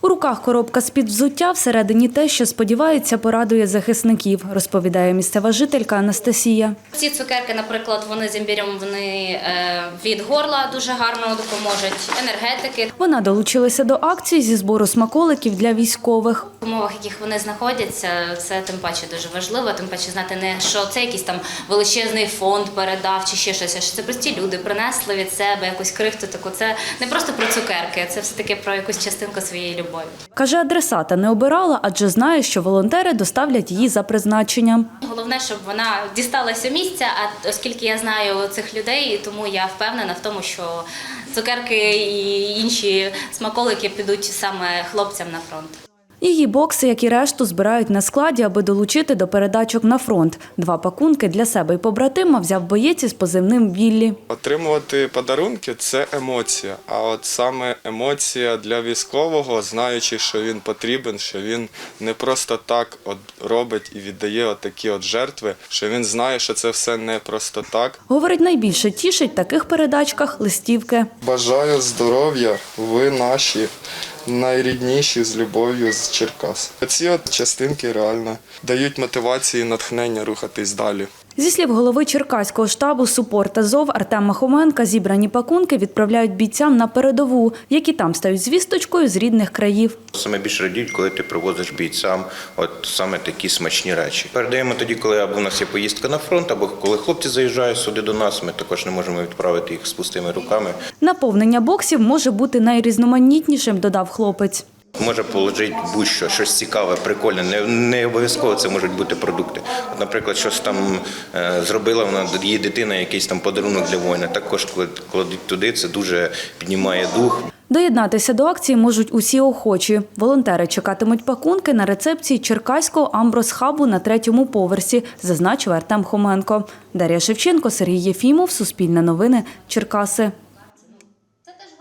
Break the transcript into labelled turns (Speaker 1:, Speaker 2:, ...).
Speaker 1: У руках коробка з-під взуття, всередині те, що, сподіваються, порадує захисників, розповідає місцева жителька Анастасія.
Speaker 2: Ці цукерки, наприклад, вони з імбірем, вони від горла дуже гарно допоможуть, енергетики.
Speaker 1: Вона долучилася до акції зі збору смаколиків для військових.
Speaker 2: В умовах, в яких вони знаходяться, це тим паче дуже важливо, тим паче знати не, що це якийсь там величезний фонд передав чи ще щось, а що це прості люди принесли від себе якусь крихту таку. Це не просто про цукерки, це все-таки про якусь частинку своєї любові.
Speaker 1: Каже, адресата не обирала, адже знає, що волонтери доставлять її за призначенням.
Speaker 2: Головне, щоб вона дісталася місця, а оскільки я знаю цих людей, тому я впевнена в тому, що цукерки і інші смаколики підуть саме хлопцям на фронт.
Speaker 1: Її бокси, як і решту, збирають на складі, аби долучити до передачок на фронт. 2 пакунки для себе і побратима взяв боєць із позивним «Віллі».
Speaker 3: Отримувати подарунки – це емоція. А от саме емоція для військового, знаючи, що він потрібен, що він не просто так робить і віддає такі жертви, що він знає, що це все не просто так.
Speaker 1: Говорить, найбільше тішить в таких передачках листівки.
Speaker 3: Бажаю здоров'я, ви наші. Найрідніші з любов'ю з Черкас. Ці частинки реально дають мотивацію і натхнення рухатись далі.
Speaker 1: Зі слів голови Черкаського штабу «Супорт Азов» Артема Хоменка, зібрані пакунки відправляють бійцям на передову, які там стають звісточкою з рідних країв.
Speaker 4: Саме більше радіють, коли ти привозиш бійцям саме такі смачні речі. Передаємо тоді, коли або у нас є поїздка на фронт, або коли хлопці заїжджають сюди до нас, ми також не можемо відправити їх з пустими руками. Наповнення боксів може бути найрізноманітнішим, додав хлопець. Може положити будь-що, щось цікаве, прикольне, не обов'язково це можуть бути продукти. От, наприклад, щось там зробила вона, її дитина, якийсь там подарунок для воїна, також кладуть туди, це дуже піднімає дух. Доєднатися до акції можуть усі охочі. Волонтери чекатимуть пакунки на рецепції Черкаського Амброс-хабу на 3-му поверсі, зазначив Артем Хоменко. Дар'я Шевченко, Сергій Єфімов, Суспільне новини, Черкаси.